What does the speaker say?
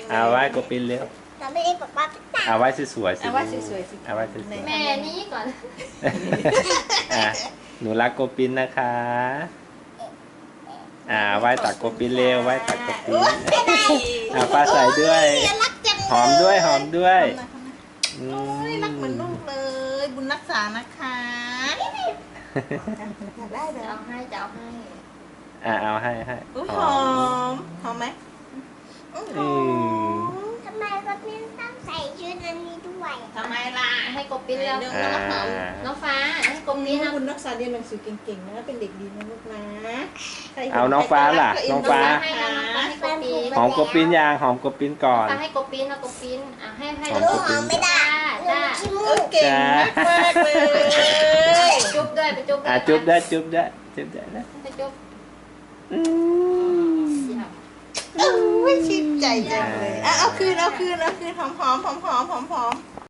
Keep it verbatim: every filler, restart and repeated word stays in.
เลยเอาไว้โกปินเร็วเราไม่ได้บอกว่าเอาไว้สวยๆสิเอาไว้สวยๆสิเอาไว้สวยแม่นี้ก่อนๆอ่ะหนูรักโกปินนะคะอ่าไว้ตักโกปินเร็วไว้ตักโกปินอ่าป้าใส่ด้วยรักจังหอมด้วยหอมด้วยอืโอ้ยรักเหมือนลูกเลยบุญรักษานะคะอยากได้เหรจะอเอาให้จะเอาให้อ่าเอาให้ให้อุ้ยหอมหอมไหมอื้อหอือมมทำไมก็ไม่ต้องใส่ชุดอันนี้ด้วยทำไมล่ะให้กบปิ้นแล้วน้องหอมน้องฟ้าให้กบปิ้นนี่เอาบุญรักษาเรียนหนังสือเก่งๆนะเป็นเด็กดีนะลูกนะใครเอาน้องฟ้าล่ะน้องฟ้าให้แล้วน้องฟ้าให้กบปิ้นหอมโกปินยางหอมโกปินก่อนฟ้าให้กบปิ้นเอากบปิ้นอ่ะให้ให้หอมแล้วกบปิ้นไม่ได้จ้าขี้มูเออก เก่งมากๆเลยจุ๊บด้วยไปจุ๊บอ่ะจุ๊บได้จุ๊บได้จุ๊บได้นะไปจุ๊บอืมอุ้ยชื่นใจจังเลยอ่ะเอาคืนเอาคืนเอาคืนหอมหอมหอมหอมหอมหอม